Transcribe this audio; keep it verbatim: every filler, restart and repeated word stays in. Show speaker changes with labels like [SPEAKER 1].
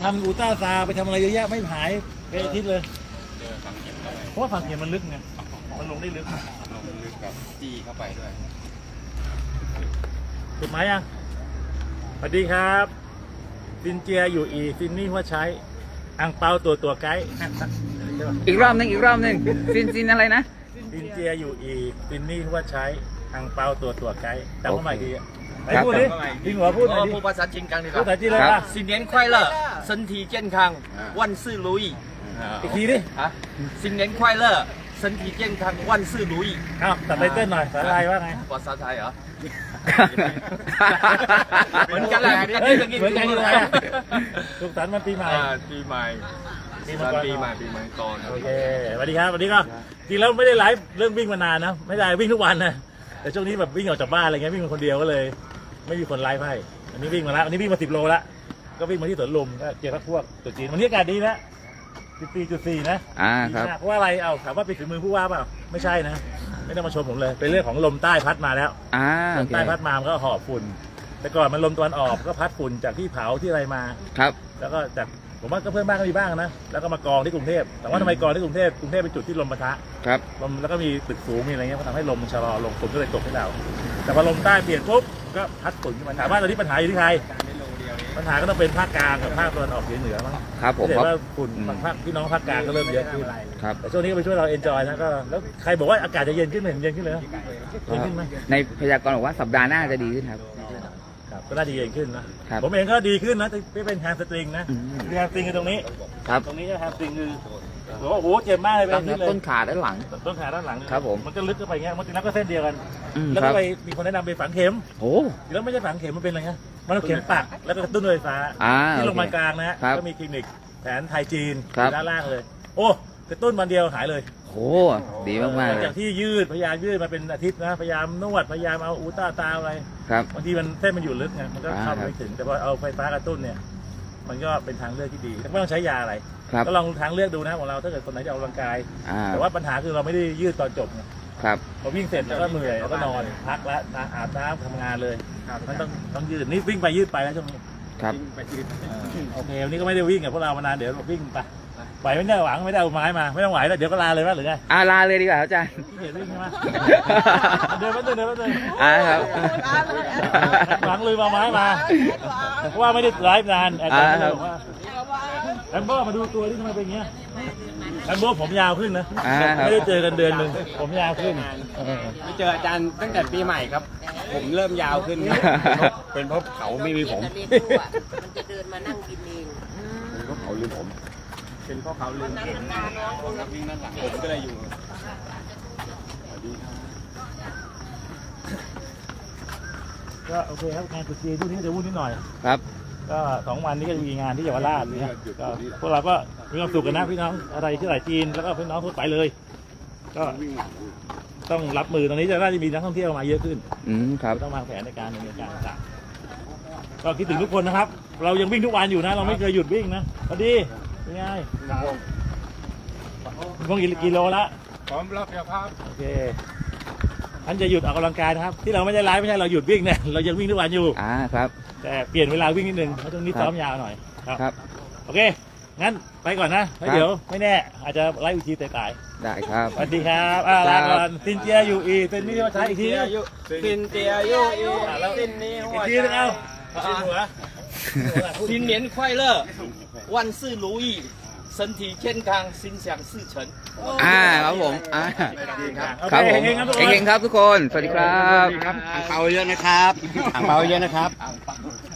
[SPEAKER 1] ำอูต้าซาไปทำอะไรเยอะแยะไม่หายไปอาทิตย์เลย
[SPEAKER 2] เจอฝังเข็มเข้าไป
[SPEAKER 1] เพราะว่าฝั่งเขียนมันลึกไงมันลงได้ลึก
[SPEAKER 2] ลงลึกกับจี้เข้าไปด้วย
[SPEAKER 1] ถูกไหมยังสวัสดีครับซินเจียอยู่อีซินนี่หัวใช้อังเปาตัวตัวไกด์
[SPEAKER 3] อีกรอบหนึงอีกรอบหนึงซินซินอะไรนะ
[SPEAKER 1] ซินเจียอยู่อีซินนี่หัวใช้อังเปาตัวตัวไกด์จำเข้ามาอีกทีไหนพูดดิจริงหัวพูดหน่อยดิ
[SPEAKER 4] พูดภาษาจีนกันดีก
[SPEAKER 1] พูด
[SPEAKER 4] ว่า
[SPEAKER 1] ภาษาจีนเลย
[SPEAKER 3] ครั
[SPEAKER 1] ป่ะ
[SPEAKER 3] บ
[SPEAKER 4] 新年快乐身体健康万事如意
[SPEAKER 1] อีกทีดิ
[SPEAKER 4] 啊新年快乐身体健康万事如意
[SPEAKER 1] อ้าวตัดไตเติ้ลหน่อยภาษาไทยว่าไง
[SPEAKER 4] ภาษาไทยเหรอ เหมือนกันแหละ
[SPEAKER 1] เฮ้ยเหมือนกันเลยอะสุขสันต์วันปีใหม่
[SPEAKER 4] อ่าปีใหม่
[SPEAKER 1] ปีมังกร
[SPEAKER 4] ปีใหม่ปีมังกร
[SPEAKER 1] โอเคสวัสดีครับสวัสดีก็จริงแล้วไม่ได้ไลฟ์เรื่องวิ่งมานานนะไม่ได้วิ่งทุกวันนะแต่ช่วงนี้แบบวิ่งออกจากบ้านอะไรเงี้ยวิ่งคนเดียวก็เลย ไม่มีคนไลฟ์ให้อันนี้วิ่งมาแล้วอันนี้วิ่งมาสิบโลแล้วก็วิ่งมาที่สวนลุมก็เจอพวกตัวจีนวันนี้อากาศดีนะสิบสี่จุดสี่นะ
[SPEAKER 3] อ่าครับ
[SPEAKER 1] ดีมากเพราะว่าอะไรเอาถามว่าเป็นฝีมือผู้ว่าเปล่าไม่ใช่นะไม่ต้องมาชมผมเลยเป็นเรื่องของลมใต้พัดมาแล้ว
[SPEAKER 3] อ่า
[SPEAKER 1] ล
[SPEAKER 3] โอ
[SPEAKER 1] ม
[SPEAKER 3] เค
[SPEAKER 1] ใต้พัดมามันก็หอบฝุ่นแต่ก่อนมันลมตะวันออกก็พัดฝุ่นจากที่เผาที่อะไรมา
[SPEAKER 3] ครับ
[SPEAKER 1] แล้วก็จากผมว่าก็เพื่อนบ้านก็มีบ้างนะแล้วก็มากองที่กรุงเทพแต่ว่าทำไมกองที่กรุงเทพกรุงเทพเป็นจุดที่ลมปะทะ
[SPEAKER 3] ครับ
[SPEAKER 1] ลมแล้วก็มีตึกสูงมีอะไรเงี้ยก็ทำให้ลมมันชะลอลงฝุ่นก็เลยตกให้เรา แต่พอลมใต้เปลี่ยนปุ๊บก็พัดฝุ่นขึ้นมาถามว่าตอนนี้ปัญหาอยู่ที่ใครปัญหาก็ต้องเป็นภาคกลางกับภาคตะวันออกเฉียงเหนือมั้ง
[SPEAKER 3] ครับผม
[SPEAKER 1] เห็น
[SPEAKER 3] ครับ
[SPEAKER 1] ว่าฝุ่น
[SPEAKER 3] อืม
[SPEAKER 1] บางภาคพี่น้องภาคกลางก็เริ่มเยอะขึ้น
[SPEAKER 3] ครับ
[SPEAKER 1] แต่ช่วงนี้ก็ไปช่วยเราเอนจอยนะก็แล้วใครบอกว่าอากาศจะเย็นขึ้นไหมเห็นเย็นขึ้นเลยนะเย็นขึ้นไหม
[SPEAKER 3] ในพยากรณ์บอกว่าสัปดาห์หน้าจะดีขึ้นครับ
[SPEAKER 1] ครับก็น่าจะเย็นขึ้นนะครับ ผมเองก็ดีขึ้นนะที่เป็นแฮมสตริงนะ
[SPEAKER 3] อืม
[SPEAKER 1] แฮมสตริงคือตรงนี้
[SPEAKER 3] ครับ
[SPEAKER 1] ตรงนี้แฮมสตริงคือบอกว่าโอ้โหเจ็บมากเลยเป็น
[SPEAKER 3] ตั้ง
[SPEAKER 1] อาทิตย์เลย
[SPEAKER 3] ต้นขาด้านหลัง
[SPEAKER 1] ต้นขาด้านหลัง
[SPEAKER 3] ครับผม
[SPEAKER 1] มันก็ลึกเข้าไปเงี้ยมันจริงแล้วก็เส้นเดียวกัน
[SPEAKER 3] อืม
[SPEAKER 1] แล้ว
[SPEAKER 3] ครั
[SPEAKER 1] ก็
[SPEAKER 3] บ
[SPEAKER 1] ไปมีคนแนะนำไปฝังเข็ม
[SPEAKER 3] โอ้
[SPEAKER 1] แล้วไม่ใช่ฝังเข็มมันเป็นอะไรเงี้ยมันเอาเข็มปักแล้วก็กระตุ้นด้วยไฟฟ้า
[SPEAKER 3] อ่า
[SPEAKER 1] ที่
[SPEAKER 3] โอ
[SPEAKER 1] โรงพยาบาล
[SPEAKER 3] เค
[SPEAKER 1] กลางนะฮะ
[SPEAKER 3] ครับ
[SPEAKER 1] ก็มีคลินิกแผนไทยจีน
[SPEAKER 3] ครับ
[SPEAKER 1] ด้านล่างเลย โอ้กระตุ้นวันเดียวหายเลย
[SPEAKER 3] โหดีมากๆ
[SPEAKER 1] ห
[SPEAKER 3] เล
[SPEAKER 1] ลัง
[SPEAKER 3] ย
[SPEAKER 1] จากที่ยืดพยายามยืดมาเป็นอาทิตย์นะพยายามนวดพยายามเอาอูต้าตาอะไร
[SPEAKER 3] ครับ
[SPEAKER 1] บางทีมันเส้นมันอยู่ลึกไงมันก็
[SPEAKER 3] อ่า
[SPEAKER 1] เข้าไปไม่ถึงแต่พอเอาไฟฟ้ากระตุ้นเนี่ยมันก็เป็นทางเลือกที่ดีไม่ต้องใช้ยาอะไร
[SPEAKER 3] ครับ
[SPEAKER 1] ก็ลองทางเลือกดูนะของเราถ้าเกิดคนไหนจะออกกำลังกาย
[SPEAKER 3] อ่า
[SPEAKER 1] แต่ว่าปัญหาคือเราไม่ได้ยืดตอนจบไง
[SPEAKER 3] ครับ
[SPEAKER 1] พอวิ่งเสร็จแล้วก็เหนื่อยแล้วก็นอนพักแล้วนะอาบน้ำทำงานเลยมันต้องต้องยืดนี่วิ่งไปยืดไปแล้วช่วงนี้
[SPEAKER 3] ครับ
[SPEAKER 1] อ่าโอเควันนี้ก็ไม่ได้วิ่งกับพวกเรามานานเดี๋ยววิ่งไปไหวไม่ได้หวังไม่ได้เอาไม้มาไม่ต้องไหวแล้วเดี๋ยวก็ลาเลยว่าหรือไง
[SPEAKER 3] อาลาเลยดีกว่าครับอาจารย์
[SPEAKER 1] ที่เห็นวิ่งใช่ไหมเดินมาเดินเดินมาเดิน
[SPEAKER 3] อ่าครับ
[SPEAKER 1] หวังเลยมาไม้มาเพราะว่าไม่ได้ไลฟ์นานอาจารย์ก็เลยบอกว่าแอมเบอร์มาดูตัวที่ทำไมเป็นอย่างเงี้ยแอมเบอร์ผมยาวขึ้นนะ
[SPEAKER 3] อ่าครับ
[SPEAKER 1] ไม่ได้เจอกันเดือนหนึ่งผมยาวขึ้นเออ
[SPEAKER 2] ไม่เจออาจารย์ตั้งแต่ปีใหม่ครับ ผมเริ่มยาวขึ้น เป็นเพราะเขาไม่มีผม
[SPEAKER 5] จะเรียนรู้อ่ะมันจะเดินมานั่งกินเอง
[SPEAKER 2] เป็นเพราะเขาลืมผม เป็นเพราะเขาลืมผมครับวิ่งด้านหลังผมก็เลยอยู่
[SPEAKER 1] ก็โอเคครับงานตรุษจีนที่นี้จะวุ่นนิดหน่อย
[SPEAKER 3] ครับ
[SPEAKER 1] ก็สองวันนี้ก็จะมีงานที่เยาวราชนะก็พวกเราก็มีความสุขกันนะพี่น้องอะไรที่ไหนจีนแล้วก็พี่น้องทั่วไปเลย ก็ต้องรับมือตอนนี้จะน่าจะมีนักท่องเที่ยวมาเยอะขึ้น
[SPEAKER 3] อืมครับ
[SPEAKER 1] ต้องวางแผนในการดำเนินการต่างๆก็คิดถึงทุกคนนะครับ เรายังวิ่งทุกวันอยู่นะ เราไม่เคยหยุดวิ่งนะพอดีเป็นไงพงกี่กิโลละ
[SPEAKER 2] พร้อมรับยาภาพ
[SPEAKER 1] โอเคท่านจะหยุดออกกำลังกายนะครับ ที่เราไม่ได้ไลฟ์ไม่ใช่เราหยุดวิ่งเนี่ยเรายังวิ่งทุกวันอยู่
[SPEAKER 3] อ่าครับ
[SPEAKER 1] แต่เปลี่ยนเวลาวิ่งนิดนึงเพราะช่วงนี้
[SPEAKER 3] ครับ
[SPEAKER 1] ซ้อมยาวหน่อยครับ
[SPEAKER 3] ครับ
[SPEAKER 1] โอเค งั้นไปก่อนนะแล้ว
[SPEAKER 3] ครับ
[SPEAKER 1] เดี๋ยวไม่แน่ อาจจะไล่วิธีตาย
[SPEAKER 3] ได้ครับ
[SPEAKER 1] ๆสวัสดีครับอ่าลาก่อนซินเจียอยู่อีเป็นนี่ว่าใช้อีกทีนึง
[SPEAKER 4] สินเตียโยโยสินนี้
[SPEAKER 1] อีกทีนึงเอาเอาหัว
[SPEAKER 4] 新年快乐万事如意身体健康心想事成
[SPEAKER 3] อ่าครับผมอ่า
[SPEAKER 1] โอ
[SPEAKER 3] ครับ
[SPEAKER 1] เค
[SPEAKER 3] ผม
[SPEAKER 1] เฮงๆครับทุกค
[SPEAKER 3] เฮ
[SPEAKER 1] น
[SPEAKER 3] งๆครับทุกคน สวัสดีครับ
[SPEAKER 2] อ่างเปาเยอะนะครับอ่างเปาเยอะนะครับ